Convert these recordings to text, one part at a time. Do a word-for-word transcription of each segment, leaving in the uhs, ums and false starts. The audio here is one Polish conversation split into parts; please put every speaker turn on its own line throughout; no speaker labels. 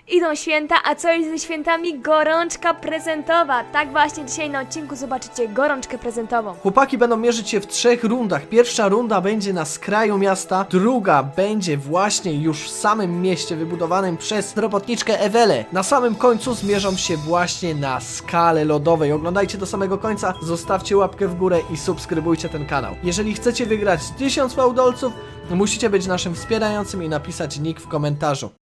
Idą święta, a co jest ze świętami? Gorączka prezentowa. Tak właśnie dzisiaj na odcinku zobaczycie gorączkę prezentową.
Chłopaki będą mierzyć się w trzech rundach. Pierwsza runda będzie na skraju miasta, druga będzie właśnie już w samym mieście wybudowanym przez robotniczkę Ewelę. Na samym końcu zmierzą się właśnie na skale lodowej. Oglądajcie do samego końca, zostawcie łapkę w górę i subskrybujcie ten kanał. Jeżeli chcecie wygrać tysiąc fałdolców, musicie być naszym wspierającym i napisać nick w komentarzu.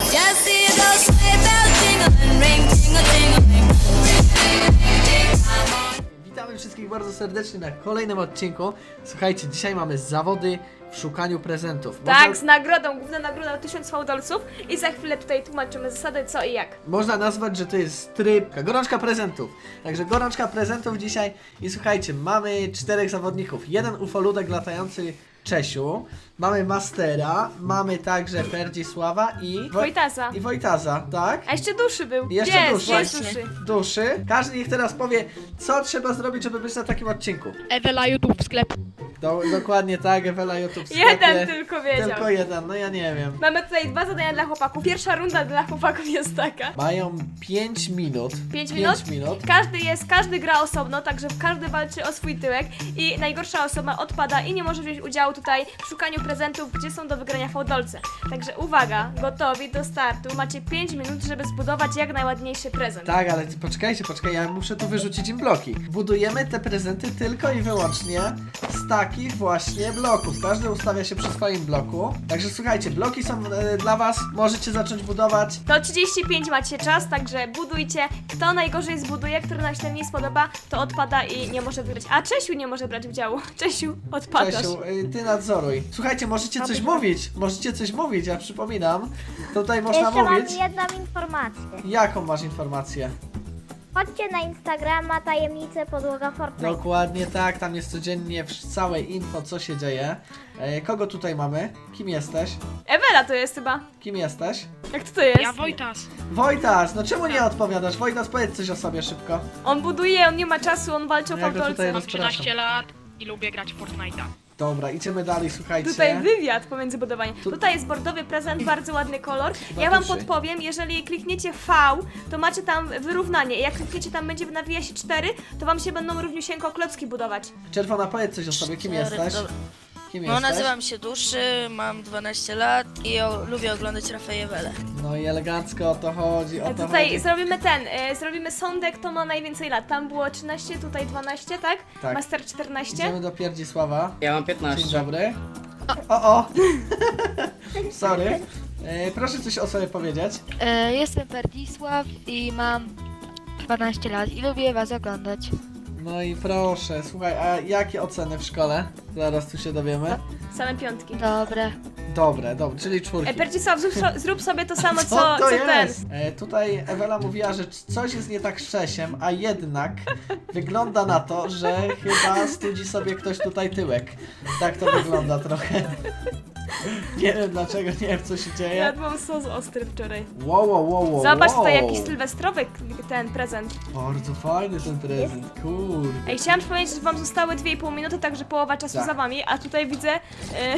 Witamy wszystkich bardzo serdecznie na kolejnym odcinku. Słuchajcie, dzisiaj mamy zawody w szukaniu prezentów.
Tak,
Można,
z nagrodą, główna nagroda tysiąc fałdolców i za chwilę tutaj tłumaczymy zasady co i jak.
można nazwać, że to jest tryb, gorączka prezentów. Także gorączka prezentów dzisiaj i słuchajcie, mamy czterech zawodników. Jeden ufoludek latający Czesiu, mamy Mastera, mamy także Perdzisława i Woj-
Wojtasa.
I Wojtaza, tak?
A jeszcze duszy był.
Jeszcze
Gdzie jest?
duszy.
Gdzie jest duszy?
Duszy. Każdy niech teraz powie, co trzeba zrobić, żeby być na takim odcinku.
Ewela YouTube sklep.
Do, dokładnie tak, Ewela YouTube w sklepie.
Jeden tylko wiedział.
Tylko jeden, no ja nie wiem.
Mamy tutaj dwa zadania dla chłopaków. Pierwsza runda dla chłopaków jest taka.
Mają pięć minut.
pięć minut?
pięć minut.
Każdy jest, każdy gra osobno, także każdy walczy o swój tyłek i najgorsza osoba odpada i nie może wziąć udziału tutaj w szukaniu prezentów, gdzie są do wygrania fałdolce. Także uwaga, gotowi do startu. Macie pięć minut, żeby zbudować jak najładniejszy prezent.
Tak, ale poczekajcie, poczekaj, ja muszę tu wyrzucić im bloki. Budujemy te prezenty tylko i wyłącznie z takich właśnie bloków. Każdy ustawia się przy swoim bloku. Także słuchajcie, bloki są e, dla was. Możecie zacząć budować.
To trzydzieści pięć macie czas, także budujcie. Kto najgorzej zbuduje, który nam się nie spodoba, to odpada i nie może wygrać. A Czesiu nie może brać udziału. Czesiu, odpadasz.
Czesiu, y, ty nadzoruj. Słuchajcie, możecie coś mówić. Możecie coś mówić, ja przypominam. Tutaj można
Jeszcze
mówić.
mam jedną informację.
Jaką masz informację?
Chodźcie na Instagrama tajemnice podłoga Fortnite.
Dokładnie tak, tam jest codziennie w- całe info, co się dzieje. E, kogo tutaj mamy? Kim jesteś?
Ewela to jest chyba.
Kim jesteś?
Jak to to jest?
Ja Wojtas.
Wojtas, no czemu nie odpowiadasz? Wojtas, powiedz coś o sobie szybko.
On buduje, on nie ma czasu, on walczy o
Ja go tutaj
fałdolce.
roz-
Mam trzynaście lat i lubię grać w Fortnite'a.
Dobra, idziemy dalej, słuchajcie.
Tutaj wywiad pomiędzy budowaniem.
Tu-
Tutaj jest bordowy prezent, bardzo ładny kolor.
Chyba
Ja wam
duży.
podpowiem, jeżeli klikniecie V, to macie tam wyrównanie. Jak klikniecie tam będzie nawija się cztery, to wam się będą równiusieńko klocki budować.
Czerwona, powiedz coś o sobie, kim
Cztery,
jesteś?
dobra.
Kim
No,
jesteś?
nazywam się Duszy, mam dwanaście lat i o, lubię oglądać Rafaela.
No i elegancko o to chodzi, o to
Tutaj
chodzi.
zrobimy ten, e, zrobimy sądek, kto ma najwięcej lat. Tam było trzynaście, tutaj dwanaście, tak?
Tak.
Master czternaście.
Idziemy do Pierdzisława.
Ja mam
Dzień
piętnaście.
dobry. O, o! Sorry. E, proszę coś o sobie powiedzieć.
E, Jestem Perdzisław i mam dwanaście lat i lubię was oglądać.
No i proszę, słuchaj, a jakie oceny w szkole? Zaraz tu się dowiemy.
Same piątki.
Dobre.
Dobre, dobre, czyli czwórki.
E, Percisław, zrób, so- zrób sobie to samo, co,
Co to
co ten.
jest? E, tutaj Ewela mówiła, że c- coś jest nie tak z Czesiem, a jednak wygląda na to, że chyba studzi sobie ktoś tutaj tyłek. Tak to wygląda trochę. Nie wiem dlaczego, nie wiem co się dzieje.
Jadłam sos ostry wczoraj.
Wow, wow, wow, wow.
Zobacz,
wow.
tutaj jakiś sylwestrowy ten prezent.
Bardzo fajny ten prezent, kurde.
Ej, chciałam przypomnieć, że wam zostały dwie i pół minuty, także połowa czasu
Tak.
za wami, a tutaj widzę... E,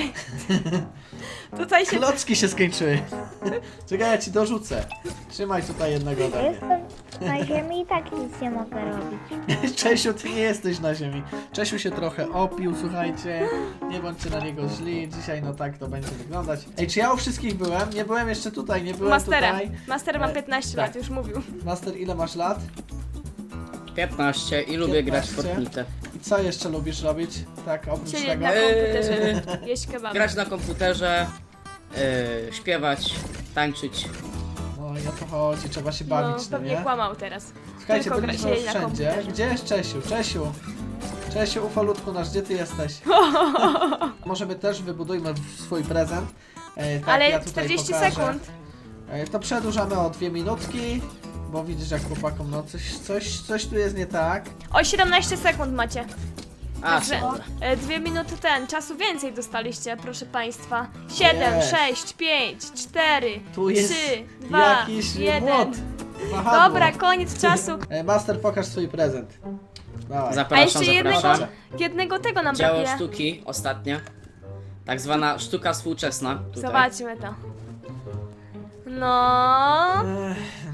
tutaj się...
Klocki się skończyły. Czekaj, ja ci dorzucę. Trzymaj tutaj jednego ode mnie.
Jestem na ziemi i tak nic nie mogę robić.
Czesiu, ty nie jesteś na ziemi. Czesiu się trochę opił, słuchajcie. Nie bądźcie na niego źli. Dzisiaj no tak to będzie wyglądać. Ej, czy ja u wszystkich byłem? Nie byłem jeszcze tutaj, nie byłem
Masterem.
tutaj.
Master ma
E,
piętnaście
tak.
lat, już mówił.
Master, ile masz lat?
piętnaście i lubię grać w
piętnaście.
Fortnite.
I co jeszcze lubisz robić? Tak, oprócz
Siedzieć
tego?
na komputerze,
Eee.
jeść kebaby.
Grać na komputerze, yy, śpiewać, tańczyć.
No i o to chodzi, trzeba się
No,
bawić, no,
pewnie
nie?
kłamał teraz.
Słuchajcie,
Tylko gra-
byliśmy
siedzi na
wszędzie.
komputerze.
Gdzie jest Czesiu? Czesiu! Czesiu, ufolutku nasz, gdzie ty jesteś? Możemy też wybudujmy swój prezent. E, tak,
Ale
ja tutaj
czterdzieści
pokażę.
sekund.
E, to przedłużamy o dwie minutki, bo widzisz jak chłopakom, no coś, coś, coś tu jest nie tak.
O siedemnaście sekund macie.
A,
Także
dobra.
e, dwie minuty ten, czasu więcej dostaliście, proszę państwa. Siedem,
Jest.
sześć, pięć, cztery,
Tu jest
trzy, dwa,
jakiś
jeden.
młot. Wahadło.
Dobra, koniec czasu.
E, Master, pokaż swój prezent. Dawaj.
A
Zapraszam,
jeszcze jednego,
zapraszam.
jednego tego nam
Dzieło
brakuje.
sztuki, ostatnia. Tak zwana sztuka współczesna. Tutaj.
Zobaczmy to. No.
Ech,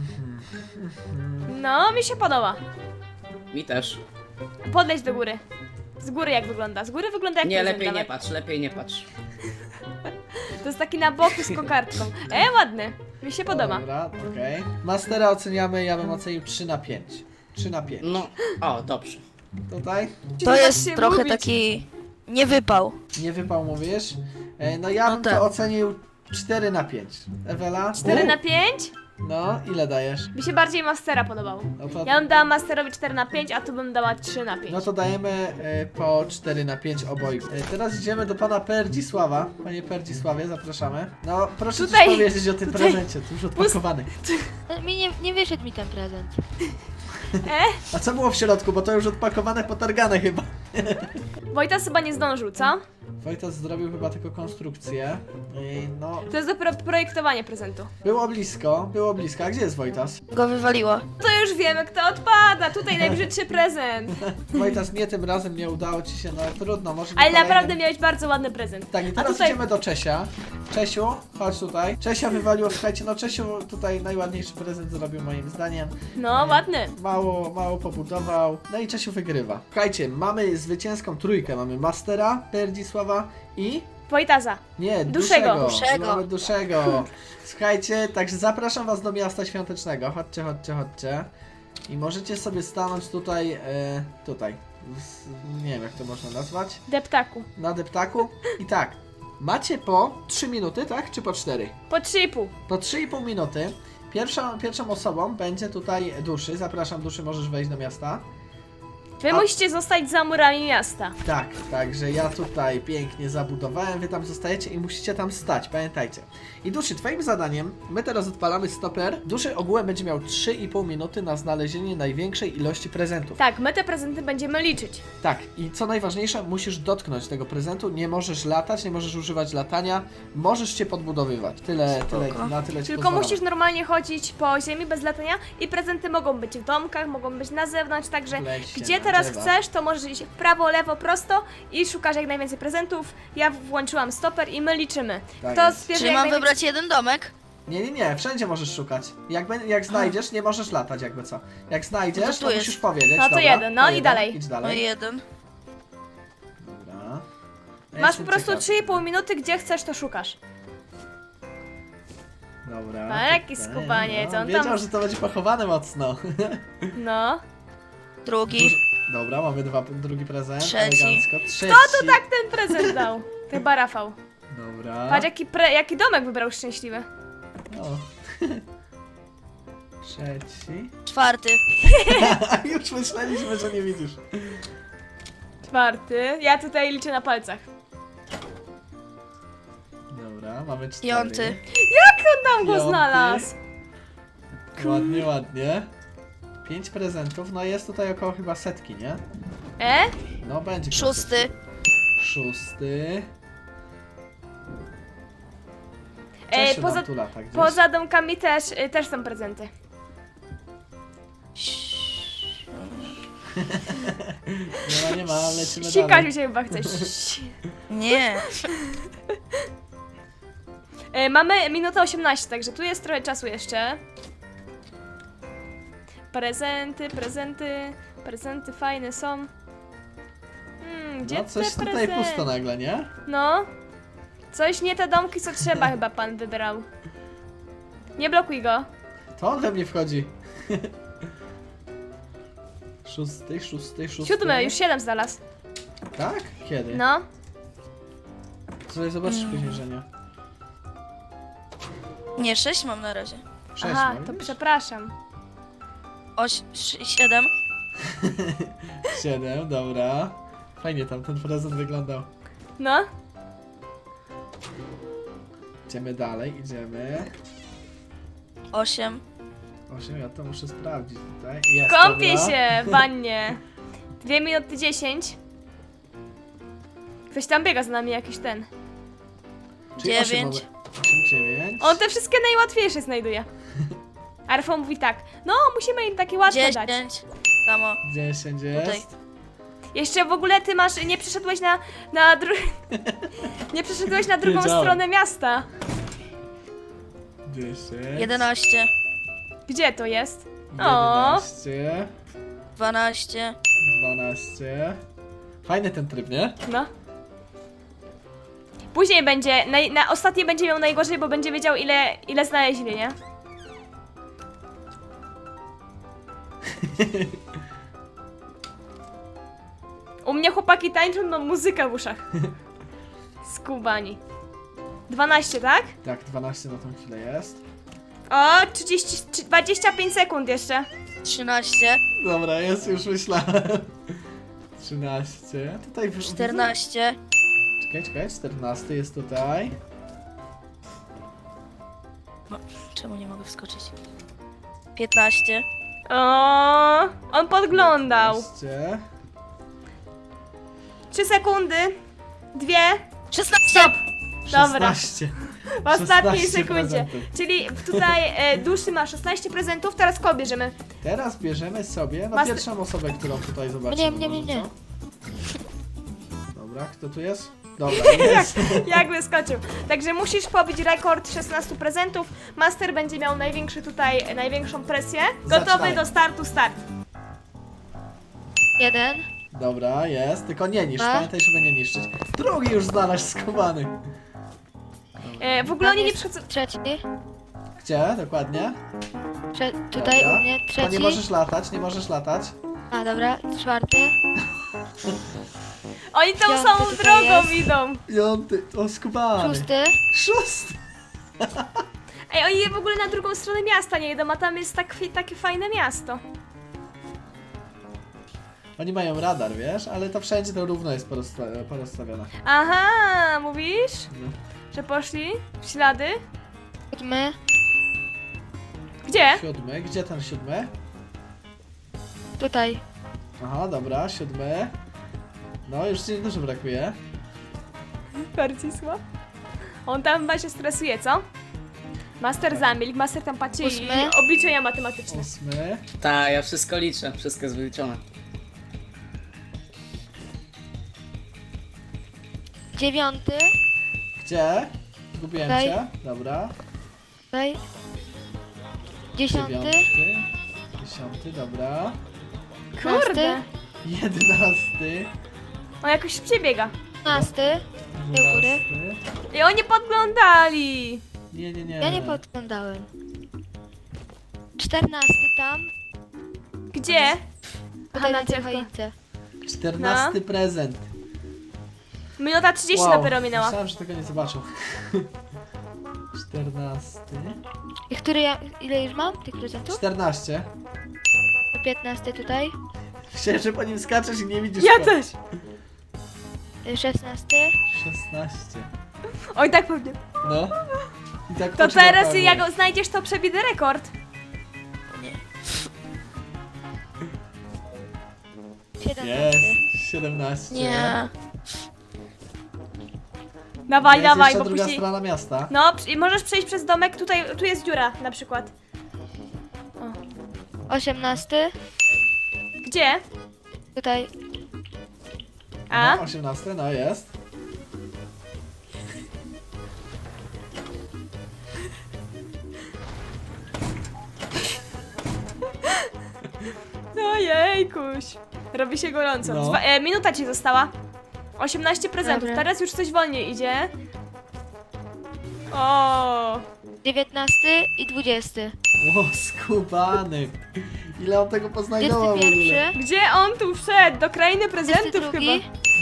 No, mi się podoba.
Mi też.
Podleć do góry. Z góry jak wygląda? Z góry wygląda jak
Nie,
prezent
lepiej nie
nawet.
patrz, lepiej nie patrz.
To jest taki na boku z kokardką. E, ładny. Mi się podoba.
Dobra, okej. Mastera oceniamy, ja bym ocenił trzy na pięć. trzy na pięć.
No, o, dobrze.
Tutaj?
To
Nie
jest
masz się
trochę
mówić.
taki niewypał.
Nie wypał, mówisz? E, no ja
No
bym
tak.
to ocenił cztery na pięć. Ewela?
cztery na pięć?
No, ile dajesz?
Mi się bardziej Mastera podobał.
No to,
Ja bym dała Masterowi cztery na pięć, a tu bym dała trzy na pięć.
no to dajemy e, po cztery na pięć obojgu. E, teraz idziemy do pana Perdzisława. Panie Perdzisławie, zapraszamy. No, proszę
Tutaj,
coś powiedzieć o tym
tutaj.
prezencie, to już odpakowany.
No, mi nie, nie wyszedł mi ten prezent.
E?
A co było w środku, bo to już odpakowane, potargane chyba.
Wojtas chyba nie zdążył, co?
Wojtas zrobił chyba tylko konstrukcję. I no,
To jest dopiero projektowanie prezentu.
było blisko, było blisko. A gdzie jest Wojtas?
Go wywaliło.
To już wiemy, kto odpada. Tutaj najbrzydszy prezent.
Wojtas, nie tym razem nie udało ci się, no trudno, może
Ale
kolejnym.
naprawdę miałeś bardzo ładny prezent.
Tak, i
A
teraz
tutaj
idziemy do Czesia. Czesiu, chodź tutaj. Czesia wywaliło, słuchajcie, no Czesiu tutaj najładniejszy prezent zrobił moim zdaniem.
No, ładny.
Mało, mało pobudował. No i Czesiu wygrywa. Słuchajcie, mamy zwycięską trójkę. Mamy Mastera, Perdzisława i...
Wojtaza.
Nie,
Duszego.
Duszego.
Duszego.
Mamy Duszego. Słuchajcie, także zapraszam was do miasta świątecznego. Chodźcie, chodźcie, chodźcie. I możecie sobie stanąć tutaj, e, tutaj. W- Nie wiem jak to można nazwać.
Deptaku.
Na deptaku. I tak, macie po trzy minuty, tak? Czy po cztery?
Po trzy i pół.
Po trzy i pół minuty. Pierwszą, pierwszą osobą będzie tutaj Duszy. Zapraszam, Duszy, możesz wejść do miasta.
Wy
A-
musicie zostać za murami miasta.
Tak, także ja tutaj pięknie zabudowałem, wy tam zostajecie i musicie tam stać, pamiętajcie. I Duszy, twoim zadaniem, my teraz odpalamy stoper. Duszy ogółem będzie miał trzy i pół minuty na znalezienie największej ilości prezentów.
Tak, my te prezenty będziemy liczyć.
Tak, i co najważniejsze, musisz dotknąć tego prezentu, nie możesz latać, nie możesz używać latania, możesz cię podbudowywać. Tyle, tyle,
Spoko.
na tyle ci
Tylko
pozwalam.
musisz normalnie chodzić po ziemi bez latania i prezenty mogą być w domkach, mogą być na zewnątrz, także
W lesie,
gdzie
na
teraz
drzewach.
chcesz, to możesz iść w prawo, lewo, prosto i szukasz jak najwięcej prezentów. Ja włączyłam stoper i my liczymy.
Tak
Kto
jest.
zbierze
Czyli
jak
mam
najwięcej...
wybrać jeden domek?
Nie, nie, nie, wszędzie możesz szukać. Jak, bę- jak znajdziesz, nie możesz latać jakby co. Jak znajdziesz,
No to
to
tu jest.
musisz powiedzieć.
No to
dobra,
jeden, no
to
i
jeden,
dalej.
Idź
No
dalej.
i jeden.
Dobra. Ja
Masz
jestem
po prostu
ciekaw.
trzy i pół minuty, gdzie chcesz, to szukasz.
Dobra.
A, jaki
tutaj,
skubaniec,
no,
on
wiedział,
tam-
że to będzie pochowane mocno.
No.
Drugi.
Dobra, mamy dwa, drugi prezent.
Trzeci.
Elegancko. Trzeci.
Kto tu tak ten prezent dał? Chyba Rafał.
Dobra.
Patrz jaki, pre... jaki domek wybrał szczęśliwy.
O. Trzeci.
Czwarty.
A już myśleliśmy, że nie widzisz.
Czwarty. Ja tutaj liczę na palcach.
Dobra, mamy cztery.
Piąty.
Jak on tam go
Piąty.
znalazł?
Ładnie, ładnie. Pięć prezentów, no jest tutaj około chyba setki, nie?
E?
No będzie. koło
Szósty.
setki. Szósty.
E,
Czesiu
poza,
nam tu lata gdzieś.
poza domkami też, y, też są prezenty.
Nie ma, nie ma, lecimy
Sikać
dalej.
mi się chyba chce. Ś-
Nie.
E, mamy minutę osiemnaście, także tu jest trochę czasu jeszcze. Prezenty, prezenty, prezenty fajne są. Hmm, gdzie
No coś
te
tutaj
prezenty?
pusto nagle, nie?
No. Coś nie te domki, co trzeba chyba pan wybrał. Nie blokuj go.
To on we mnie wchodzi. Szósty, szósty, szósty.
Siódmy, już siedem znalazł.
Tak? Kiedy?
No.
Słuchaj, zobaczysz później, że nie.
Nie, sześć mam na razie.
Sześć,
Aha,
no
to
widzisz?
przepraszam.
Oś, sz- siedem.
Siedem, dobra. Fajnie tam ten prezent wyglądał.
No.
Idziemy dalej, idziemy.
Osiem.
Osiem, ja to muszę sprawdzić tutaj. Jest,
Kąpię
dobra.
się w wannie. Dwie minuty dziesięć. Ktoś tam biega za nami, jakiś ten.
Czyli osiem
Dziewięć.
mamy. Osiem, dziewięć.
On te wszystkie najłatwiejsze znajduje. A Rafał mówi tak, no musimy im takie łatwe dać.
Dziesięć. Kamo.
Dziesięć
Tutaj.
jest.
Jeszcze w ogóle ty masz, nie przeszedłeś na, na dru... nie przeszedłeś na drugą
Wiedziałem.
stronę miasta.
Dziesięć.
Jedenaście.
Gdzie to jest? O.
jedenaście,
dwanaście.
dwanaście. Fajny ten tryb, nie?
No. Później będzie, naj, na ostatnie będzie miał najgorzej, bo będzie wiedział ile, ile znaleźli, nie? U mnie chłopaki tańczą, no muzyka w uszach. Skubani. dwanaście, tak?
Tak, dwanaście na tą chwilę jest.
O, trzydzieści, trzy- dwadzieścia pięć sekund jeszcze.
trzynaście.
Dobra, jest, już myślałem. trzynaście. Tutaj w...
czternaście.
Czekaj, czekaj, czternasty jest tutaj.
Czemu nie mogę wskoczyć? piętnaście.
O, on podglądał.
piętnaście.
trzy sekundy. Dwie.
szesnaście.
Stop. Dobra.
szesnaście.
W ostatniej
szesnaście
sekundzie.
prezentów.
Czyli tutaj e, Duszy ma szesnaście prezentów, teraz kogo bierzemy?
Teraz bierzemy sobie na
Master-
pierwszą osobę, którą tutaj zobaczymy.
Nie, nie, nie,
może
nie.
co? Dobra, kto tu jest? Dobra, jest.
Jak wyskoczył. Także musisz pobić rekord szesnastu prezentów. Master będzie miał największy tutaj, e, największą presję. Gotowy
Zaczynaj.
do startu, start.
Jeden.
Dobra, jest. Tylko nie niszcz,
A?
pamiętaj, żeby nie niszczyć. Drugi już znalazł skowany.
E, w ogóle
Tam
oni nie
jest
przychodzą.
Trzeci.
Gdzie? Dokładnie?
Trze tutaj
Dobra.
u mnie.
To
Trzeci.
nie możesz latać, nie możesz latać.
A dobra, czwarty.
Oni tą
Piąty
samą
tutaj
drogą
jest.
idą.
Piąty, o skubany.
Szósty.
Szósty.
Ej, oni w ogóle na drugą stronę miasta nie idą, a tam jest tak, takie fajne miasto.
Oni mają radar, wiesz, ale to wszędzie to równo jest porozsta- porozstawione.
Aha, mówisz?
No.
Że poszli w ślady?
Siódmy.
Gdzie?
Siódmy, gdzie ten siódmy?
Tutaj.
Aha, dobra, siódmy. No, już ci dużo brakuje.
Barcisław? On tam chyba się stresuje, co? Master zamilkł, master tam patrzy i
Ósmy.
obliczenia matematyczne.
Ósmy.
Tak, ja wszystko liczę, wszystko jest wyliczone.
Dziewiąty.
Gdzie? Zgubiłem
Tutaj.
cię. Dobra.
Tutaj. Dziesiąty.
Dziewiąty. Dziesiąty, dobra.
Kurde!
Jedenasty.
On jakoś szybciej biega.
Dwunasty. góry.
Dwunasty.
I oni podglądali!
Nie, nie, nie.
Ja nie podglądałem. Czternasty tam.
Gdzie?
Tutaj
na
na tej
drzewko.
choince.
Czternasty prezent.
Minuta trzydzieści dopiero minęła.
Myślałem, że tego nie zobaczył. Czternasty.
I który ja, ile już mam tych prezentów?
Czternaście.
Piętnasty tutaj.
Myślałem, że po nim skaczesz i nie widzisz
Ja
go.
też!
Y, Szesnasty.
szesnaście.
Oj, tak pewnie.
No. I tak
To
oczy
teraz
łapałem.
jak go znajdziesz, to przebity rekord.
Siedemnasty.
Jest. siedemnaście.
Nie.
Dawaj,
Jest
dawaj,
jeszcze
bo
druga
później...
strona miasta.
No, przy- możesz przejść przez domek, tutaj, tu jest dziura na przykład.
Osiemnasty.
Gdzie?
Tutaj.
A?
No, osiemnaście, no jest.
Ojejkuś. Robi się gorąco.
No.
Dwa, e, minuta ci została. osiemnaście prezentów,
Dobra.
teraz już coś wolniej idzie. O,
Dziewiętnasty i dwudziesty.
O, skubany. Ile on tego poznajdował w
Dwudziesty
ogóle?
pierwszy.
Gdzie on tu wszedł? Do krainy
Dwudziesty
prezentów chyba.
drugi.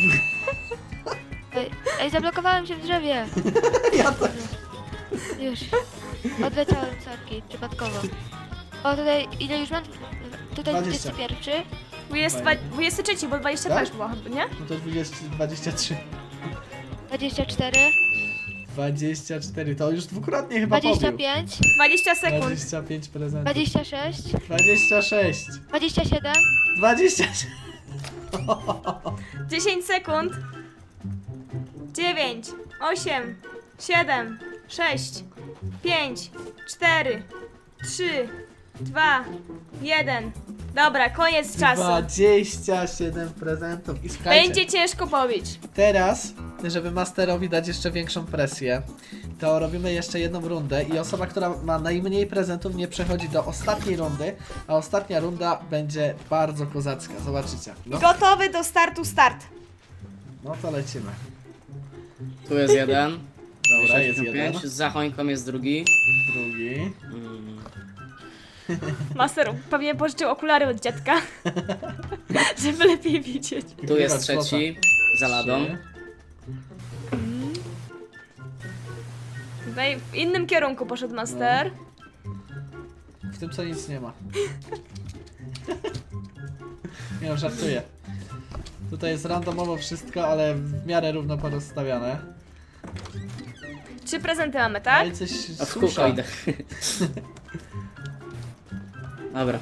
Ej, ej, zablokowałem się w drzewie.
Ja to...
Już. Odleciałem sorki, przypadkowo. O, tutaj, ile już mam? Tutaj
Dwadzieścia.
dwudziesty pierwszy.
dwudziesty, dwudziesty trzeci, bo dwadzieścia dwa
Tak?
już było chyba, nie?
No to dwadzieścia, dwadzieścia trzy.
Dwadzieścia cztery.
dwadzieścia cztery, to już dwukrotnie chyba
Dwadzieścia
pobił.
pięć.
dwadzieścia sekund.
dwadzieścia pięć prezentów.
Dwadzieścia sześć.
dwadzieścia sześć.
Dwadzieścia siedem.
dwadzieścia sześć.
dziesięć sekund. dziewięć, osiem, siedem, sześć, pięć, cztery, trzy, dwa, jeden. Dobra, koniec czasu.
dwadzieścia siedem prezentów. I słuchajcie,
Będzie ciężko pobić.
teraz, żeby Masterowi dać jeszcze większą presję, to robimy jeszcze jedną rundę i osoba, która ma najmniej prezentów, nie przechodzi do ostatniej rundy, a ostatnia runda będzie bardzo kozacka, zobaczycie. No,
Gotowy do startu, start.
no to lecimy.
Tu jest jeden.
Dobra, jest
sześćdziesiąt
jeden,
pięć. Za choinką jest drugi.
drugi.
Mm.
Master pewnie pożyczył okulary od dziadka, żeby lepiej widzieć.
Tu jest
Wygrywać
trzeci. Za ladą.
Trzy.
Tutaj w innym kierunku poszedł Master.
W tym co nic nie ma. Nie no, żartuję. Tutaj jest randomowo wszystko, ale w miarę równo porozstawiane.
Trzy prezenty mamy, tak?
Ale coś
A w
susza.
kółko idę. Dobra.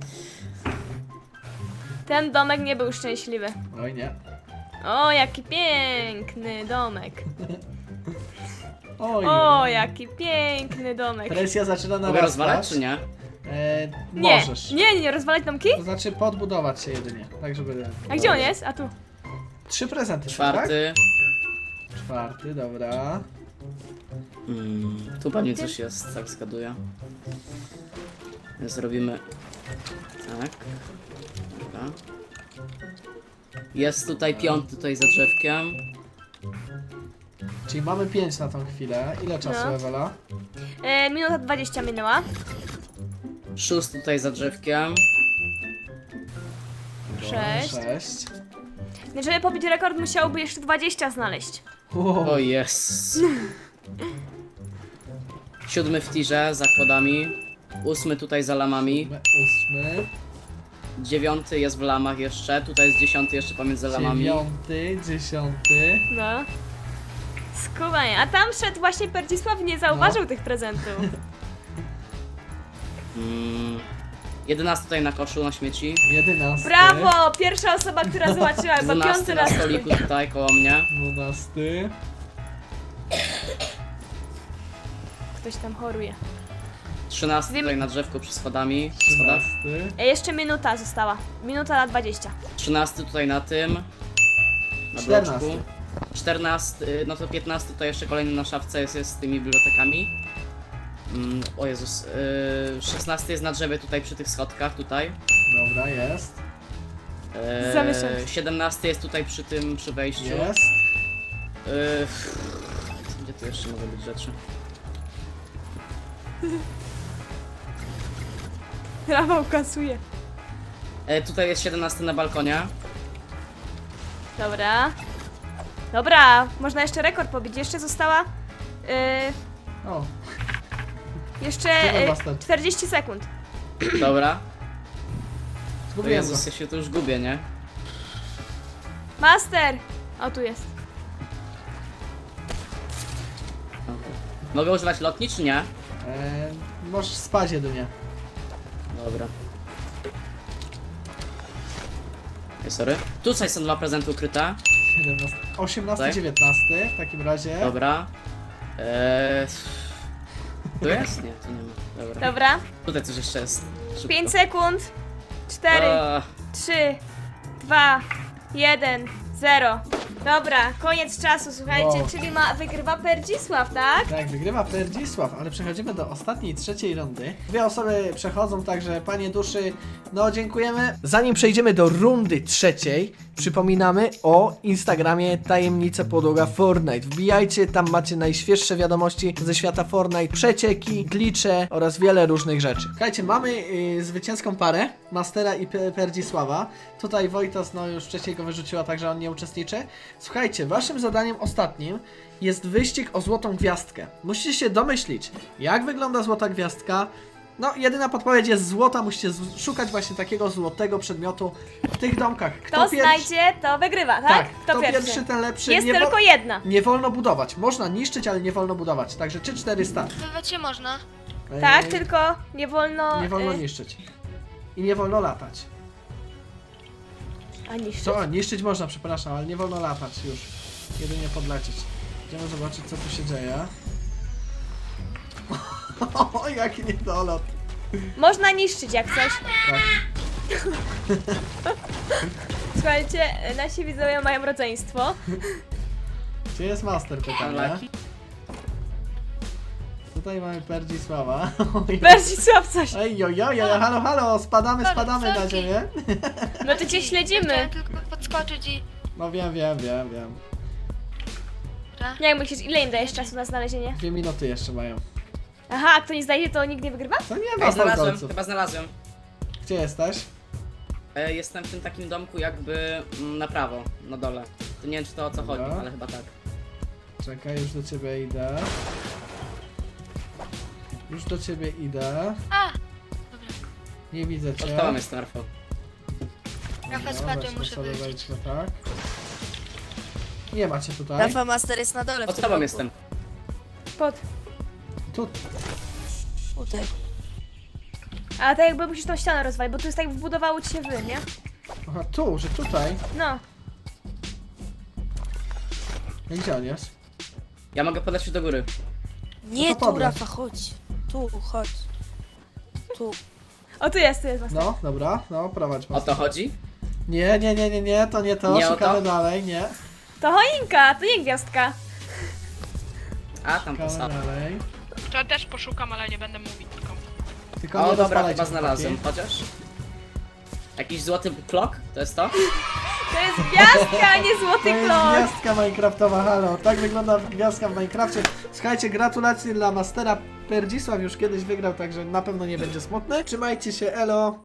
Ten domek nie był szczęśliwy.
Oj nie.
O, jaki piękny domek.
Oj.
O, jaki piękny domek.
Presja zaczyna
Mogę
narastać.
rozwalać czy nie?
E,
Nie,
możesz.
nie, nie, rozwalać domki?
To znaczy podbudować się jedynie, tak żeby...
A gdzie on jest? A tu.
Trzy prezenty,
Czwarty.
tak? Czwarty, dobra.
Mm, tu pewnie coś jest, tak zgaduję. Zrobimy tak. Dobra. Jest tutaj piąty, tutaj za drzewkiem.
Czyli mamy pięć na tą chwilę. Ile czasu,
No.
Ewela?
E, minuta dwadzieścia minęła.
Szósty tutaj za drzewkiem.
Sześć.
Sześć.
Żeby pobić rekord, musiałby jeszcze dwadzieścia znaleźć.
Wow.
O jest. Siódmy w tirze za kładami. Ósmy tutaj za lamami.
Ósmy.
Dziewiąty jest w lamach jeszcze. Tutaj jest dziesiąty jeszcze pomiędzy lamami.
Dziewiąty, dziesiąty.
No. Skubanie. A tam szedł właśnie Perdzisław i nie zauważył
No.
tych prezentów.
Mm, jedenasty tutaj na koszu, na śmieci.
Jedenasty.
Brawo! Pierwsza osoba, która zobaczyła. Chyba piąty
Dwunasty na
raz.
stoliku tutaj koło mnie.
Dwunasty.
Ktoś tam choruje.
Trzynasty
Wiem-
tutaj na drzewku przy schodami. Przy schodach.
Trzynasty.
E, jeszcze minuta została. Minuta na dwadzieścia.
Trzynasty tutaj na tym. Na
Czternasty.
bloczku. Czternasty, no to piętnasty to jeszcze kolejny na szafce jest, jest z tymi bibliotekami. Mm, o Jezus. Yy, szesnasty jest na drzewie tutaj przy tych schodkach, tutaj.
Dobra, jest.
Yy,
Zamieszam.
siedemnasty jest tutaj przy tym, przy wejściu.
Jest.
Yy, gdzie tu jeszcze mogą być rzeczy?
Rafał kasuje.
Yy, tutaj jest siedemnasty na balkonie.
Dobra. Dobra, można jeszcze rekord pobić. Jeszcze została... Yy,
O,
jeszcze
Dobra,
yy,
basta.
czterdzieści sekund.
Dobra. O
zgubiłem go.
Jezus, ja się tu już gubię, nie?
Master! O, tu jest.
Dobra. Mogę używać lotni, czy nie?
E, możesz spać jedynie.
Dobra. Ej, sorry. Tutaj są dwa prezenty ukryte.
siedemnasty, osiemnasty,
Tak?
dziewiętnasty w takim razie.
Dobra. Eee... Tu jest? Nie, tu nie ma. Dobra.
Dobra.
Tutaj coś jeszcze jest. Szybko.
pięć sekund. cztery,
A,
trzy, dwa, jeden, zero. Dobra, koniec czasu, słuchajcie,
Wow.
czyli ma wygrywa Perdzisław, tak?
Tak, wygrywa Perdzisław, ale przechodzimy do ostatniej, trzeciej rundy. Dwie osoby przechodzą, także panie duszy, no dziękujemy. Zanim przejdziemy do rundy trzeciej, przypominamy o Instagramie Tajemnice Podłoga Fortnite. Wbijajcie, tam macie najświeższe wiadomości ze świata Fortnite, przecieki, glicze oraz wiele różnych rzeczy. Słuchajcie, mamy y, zwycięską parę, Mastera i Pe- Perdzisława. Tutaj Wojtas, no już wcześniej go wyrzuciła, także on nie uczestniczy. Słuchajcie, waszym zadaniem ostatnim jest wyścig o złotą gwiazdkę. Musicie się domyślić, jak wygląda złota gwiazdka. No, jedyna podpowiedź jest złota, musicie z- szukać właśnie takiego złotego przedmiotu w tych domkach.
Kto
pierwszy-
znajdzie, to wygrywa, tak?
Tak,
Kto
kto pierwszy, ten lepszy.
Jest
nie, wo-
tylko jedna.
nie wolno budować. Można niszczyć, ale nie wolno budować. Także trzy cztery start.
Bywać się można.
Tak,
Ej,
tylko nie wolno...
Nie wolno
y,
niszczyć. I nie wolno latać.
A niszczyć.
Co? Niszczyć można, przepraszam, ale nie wolno latać już. Jedynie podlecieć. Idziemy zobaczyć, co tu się dzieje. O, jaki niedolot.
Można niszczyć jak coś.
Tak.
Słuchajcie, nasi widzowie mają rodzeństwo.
Gdzie jest master pytania?
Unlucky.
tutaj mamy Perdzisława.
Berzisław coś.
Ej, oj, oj, oj, halo, halo, spadamy, spadamy na
sorki.
ziemię.
No to cię śledzimy.
Chciałem tylko podskoczyć i...
No wiem, wiem, wiem, wiem.
Dobra.
Jak myślisz, ile im dajesz czasu na znalezienie?
Dwie minuty jeszcze mają.
Aha, a kto nie znajdzie, to nikt nie wygrywa?
To nie ma
Ej, znalazłem,
fałdolców.
chyba znalazłem.
Gdzie jesteś?
E, jestem w tym takim domku jakby mm, na prawo, na dole. To nie wiem czy to o co chodzi,
Dobra.
ale chyba tak.
Czekaj, już do ciebie idę. Już do ciebie idę.
A!
Nie widzę cię.
Pod tobą jestem, Rafał.
Rafa
Dobra,
spadłem,
weźmy
muszę
sobie,
wyjść.
wejdźmy, tak. Nie macie tutaj.
Rafa Master jest na dole. w
Pod
tym
tobą
roku.
jestem.
Pod.
Tu.
Tutaj.
A tak jakby musisz tą ścianę rozwalić, bo tu jest tak wbudowało ci się wy, nie?
Aha, tu, że tutaj.
No.
I gdzie on jest?
Ja mogę podać do góry.
Nie
No to
tu,
podleć.
Rafa, chodź. Tu, chodź. Tu.
O, tu jest, tu jest. Master.
No, dobra, no, prowadź
O
mocno.
to chodzi?
Nie, nie, nie, nie, nie, to nie to,
Nie o
szukamy
to?
dalej, nie.
To choinka, to nie gwiazdka.
A, tam
Szukamy
postawa.
dalej.
To ja też poszukam, ale nie będę mówić nikomu.
Tylko
O,
nie
dobra,
rozwalajcie,
chyba znalazłem.
chłopaki.
Chociaż? Jakiś złoty klok? To jest to?
To jest gwiazdka, a nie
To
złoty
jest
klon.
gwiazdka minecraftowa, halo. Tak wygląda gwiazdka w Minecrafcie. Słuchajcie, gratulacje dla Mastera. Perdzisław już kiedyś wygrał, także na pewno nie będzie smutny. Trzymajcie się, elo.